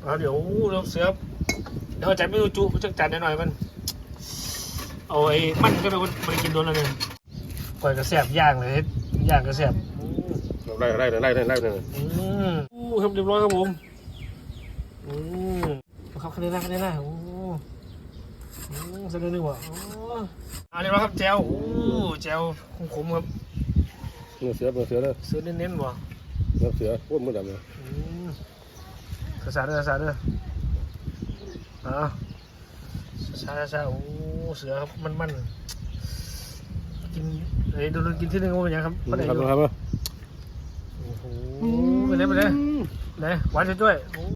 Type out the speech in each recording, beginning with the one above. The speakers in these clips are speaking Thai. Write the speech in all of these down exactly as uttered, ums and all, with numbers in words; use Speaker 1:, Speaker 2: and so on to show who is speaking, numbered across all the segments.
Speaker 1: เอาเดี๋ยวเราเสือเดี๋ยวจัดไม่รู้จุจะจัดหน่อยมันเอาไอ้มันก็เลยมันกินโดนแล้วเนี่ยก่อยกระแสบย่างเลยย่างกระแสบ
Speaker 2: ไล่ไล่ไล่ไล่ไล่เลย
Speaker 1: อืมอู้ครับเรียบร้อยครับผมอืมครับคะแนนแรกคะแนนแรกโอ้อืมเสนอหนึ่งว่ะอ๋อเรียบร้อยครับแจวอู้แจวขมๆครับ
Speaker 2: เนื้อเสือเนื้อเสือเลย
Speaker 1: เสือเน้นๆว่ะ
Speaker 2: เนื้อเสือพูดเหมือนกันเลย
Speaker 1: กระสาเด้อกระสาเด้ออ่าชาชาโอ้เสือครับมันมันกินเฮ้ยโดนกินที่นึงว่าเป็นยังครับไม่ได้ดู
Speaker 2: ครับ
Speaker 1: โอ้โหไปเลยไปเลยไหนหวานช่วย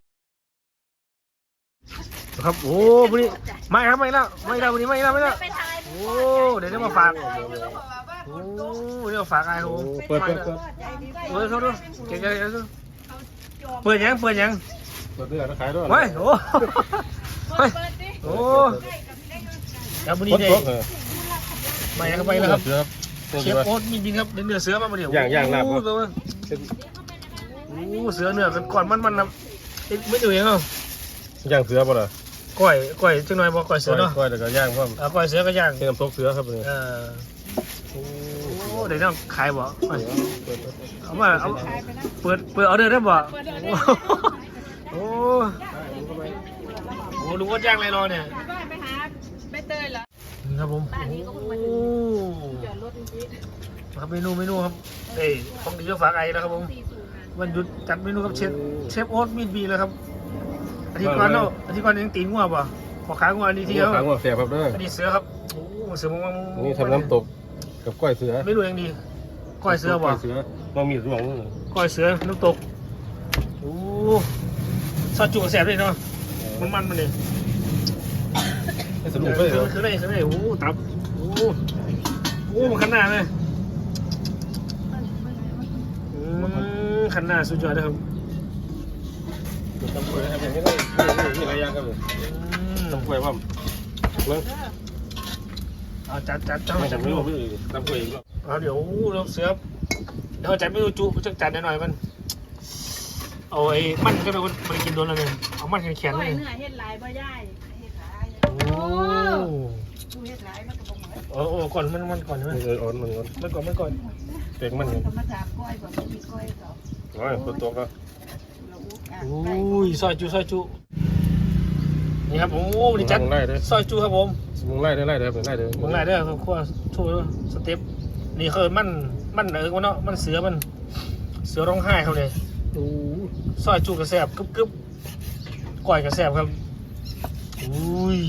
Speaker 1: ครับโอ้วันนี้ไม่ครับไม่แล้วไม่แล้ววันนี้ไม่แล้วไม่แล้วโอ้เดี๋ยวจะมาฝากโอ้เดี๋ยวฝากไอ้โห
Speaker 2: เปิดเปิดเปิด
Speaker 1: เปิดเขาดูเก่งๆดูเปิดยังเปิดยัง
Speaker 2: เปิดเนื้อขายด้วย
Speaker 1: เฮ้ยโอ้เฮ้ยโอ้แล้ววันนี้เด็กมายังไปแล้วครับเชฟโอ๊ตมีจริงครับเนื้อเสือมาเดี๋ยว
Speaker 2: ย่างย่างลาบโ
Speaker 1: อ้เสือเนื้อกันก่อนมันมันนะไม่ดูยังเหร
Speaker 2: อย่างเสือป่ะล่ะ
Speaker 1: ก้อยก้อยจังหน่อยบอกก้อยเสือเนาะ
Speaker 2: ก้อยแต่ก็ย่างพ่อม
Speaker 1: ก้อยเสือก็ย่าง
Speaker 2: เป็นน้ำซุปเสือครับเลย
Speaker 1: เออโอ้เดี๋ยวต้องขายบ่เอามาเอาเปิดเปิดออเดอร์ได้บ่โอ้โหลุงก็ย่างอะไรรอเนี่ย
Speaker 3: ไปหาใบเตยเหรอ
Speaker 1: ครับผมโอ้ครับเมนูเมนูครับเอ้ยของดีก็ฝากไอ้แล้วครับผมวันหยุดจัดเมนูกับเชฟเชฟโอ๊ตมีดบีแล้วครับอาทิตย์ก่อนเนาะอาทิตย์ก่อนยังตีงัวป่ะขอขางัวอันนี้ทีเดียว
Speaker 2: ขางัวเสียบครับเด้อ
Speaker 1: อันนี้เสือครับโอ้เสือมังมัง
Speaker 2: นี่ทำน้ำตกกับก้อยเสือ
Speaker 1: ไม่รู้ยังดีก้อยเสือป่ะ
Speaker 2: เสือมามีร่วง
Speaker 1: ก้อยเสือน้ำตกโอ้ซอสจุกแสบเลยเนาะมันมันมันเลย
Speaker 2: สนุกเลย
Speaker 1: คือคืออะไรคืออะไรโอ้ตับโอ้โอ้มันขันหน้าเลยขันหน้าสุดยอดเลยครับ
Speaker 2: ตำกล้วยอะไรอย่างเงี้ยนี่อะไรอย่างครับเลยตำกล้วยพ่อมเมื่อ
Speaker 1: เอาจัดจัดจัด
Speaker 2: จัดไม่รู้ไม่รู้ตำกล้วยอีก
Speaker 1: เอาเดี๋ยวเราเสือเดี๋ยวจัดไม่รู้จุจะจัดหน่อยมันเอาไอ้มันก็เลยมันกินโดนแล้วเนี่ยเอามันแข็งๆเลย
Speaker 3: เนื้อเฮ็ดลายบ่ได้เฮ็ดลายโอ้เฮ็ดลายมันก็บ่เหมือน
Speaker 1: โอ้โอ้ก่อนมันมันก่อนใช่ไหม
Speaker 2: เอออ่อนมันก่อน
Speaker 1: มันก่อนมันก่อน
Speaker 2: เต็งมัน
Speaker 3: ก็มาถามก้อยบ่มีก้อยก็
Speaker 2: อ๋อคนตัวก็
Speaker 1: อุ้ยซอยจุซอยจุนี่ครับโอ้ดิจัดซอยจุครับผม
Speaker 2: มึงไล่ได้ไล่ได้ไล่ได้
Speaker 1: มึงไล่ได้ครับขั้วช่วยสเต็ปนี่คือมันมันเออวะเนาะมันเสือมันเสือร้องไห้เขาเลยโอ้ซอยจุกระแสบกึบกึบก่อยกระแสบครับอุ้ย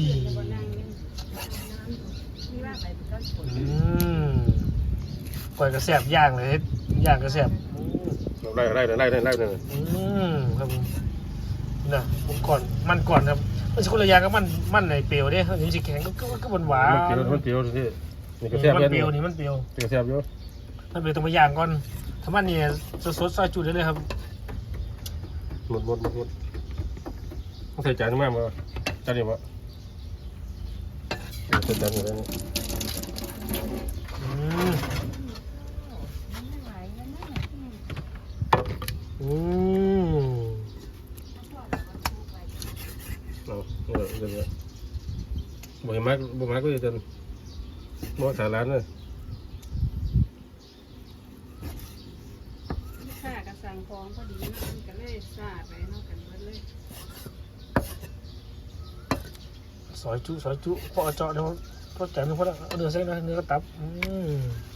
Speaker 1: อืมก่อยกระแสบย่างเลยย่างกระแสบ
Speaker 2: ไล่ไล่ไล่ไล่ไล่เลย
Speaker 1: อืมครับนะผมก่อนมันก่อนครับมันจะคนละอย่างกับมันมันในเปรี้ยวเนี่ยนี่สิแข็งก็ก็หวานหวาน
Speaker 2: มันเปรี้ยวมันเปรี้ยวที่
Speaker 1: นี่กระแสบมันเปรี้ยวนี่มันเปรี้ยว
Speaker 2: กระแสบเยอะ
Speaker 1: มันเปรี้ยวต้องมาย่างก่อนถ้ามันเนี่ยสดสดซอยจุดได้เลยครับ
Speaker 2: หมดหมดหมดหมดต้องใส่จานมากมั้ยจานนี้วะใส่จานอะไรนี่
Speaker 1: อืมอืม
Speaker 2: เอาเออเดี๋ยวบ่อยมากบ่มากก็จะจนบ่สาร้านเลย
Speaker 3: ค่ากระสังฟองพอดีนะมันก็เลยซาไปเนาะกันเบิดเลย
Speaker 1: ซอยจุซอยจุพอเจาะเดี๋ยวพอแจกมันพอแล้วเอาเนื้อเส้นนะเนื้อตับอืม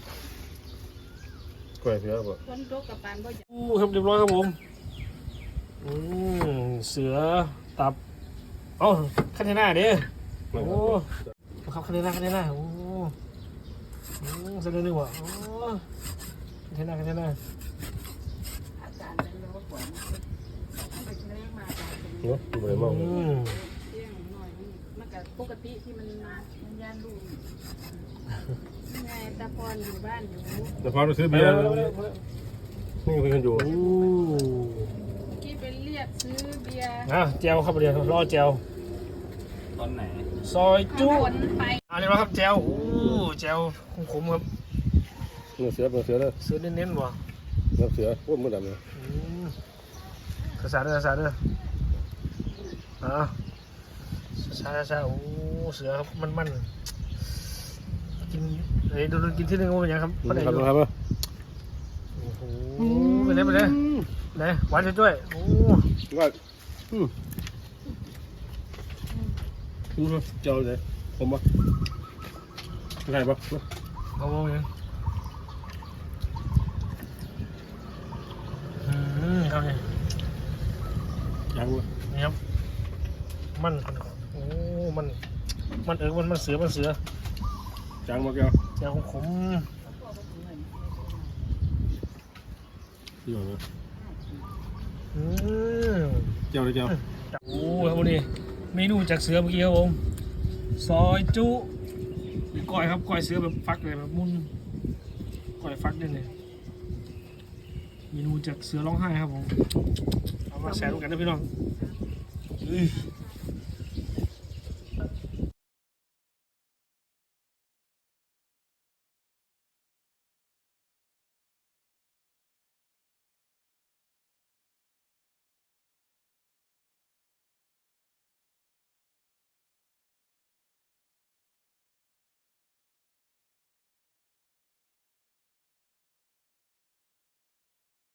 Speaker 2: กล้วยเสือบ่
Speaker 3: คนตกกับปานบ่อย
Speaker 1: อู้ครับเรียบร้อยครับผมอืมเสือตับเอ้าคันหน้าเด้อโอ้ครับคันหน้าคันหน้าโอ้เส้นเนื้อว่ะโอ้คันหน้าคันหน้า
Speaker 3: อาจารย์เป็นโรคปวดไปเลี้ยงมา
Speaker 2: เนาะบ่ได้มอง
Speaker 3: เลี้ยงหน่อยมันก็ปกติที่มันมามันย่านลูกไงตาพรอยู่บ้านอยู่
Speaker 2: ตาพรไปซื้อเบียร์นี่คุยกันอยู่
Speaker 3: กี้ไปเรียกซื้อเบียร์
Speaker 1: อ่ะเจลครับเดี๋ยวรอเจล
Speaker 4: ตอนไหน
Speaker 1: ซอยจุอันนี้ครับเจลโอ้เจลขมครับ
Speaker 2: เนื้อเสือเนื้อเสือเลย
Speaker 1: เสือเน้นๆว่ะ
Speaker 2: เนื้อเสือพูดเหมือนกันเลย
Speaker 1: กระสาเด้อกระสาเด้ออ่าช้าช้าๆโอ้เสือครับมันมันกินเฮ้ยโดนกินที่นึงว่าเป็นยังครับ
Speaker 2: ครับ
Speaker 1: ได้อยู่
Speaker 2: ครับ
Speaker 1: โอ้โหไปเลยไปเลยไหนหวานช่วยๆโอ้
Speaker 2: ว่าอืมอืมเจ้าเลยผมปะไงปะ
Speaker 1: เอาโมยังอืมครับนี่
Speaker 2: ยังวะ
Speaker 1: นี่ครับมันโอ้มันมันเออมันมันเสือมันเสือ
Speaker 2: ยังมาแก้ว
Speaker 1: เจ้าของผม
Speaker 2: ที่ไหน
Speaker 1: อืม
Speaker 2: เจ้าเลยเจ้า
Speaker 1: โอ้ครับวันนี้เมนูจากเสือเมื่อกี้ครับผมซอยจุหรือก้อยครับก้อยเสือแบบฟักเลยแบบมุนก้อยฟักด้วยเนี่ยเมนูจากเสือร้องไห้ครับผมเอามาแชร์กันนะพี่น้องอื้อ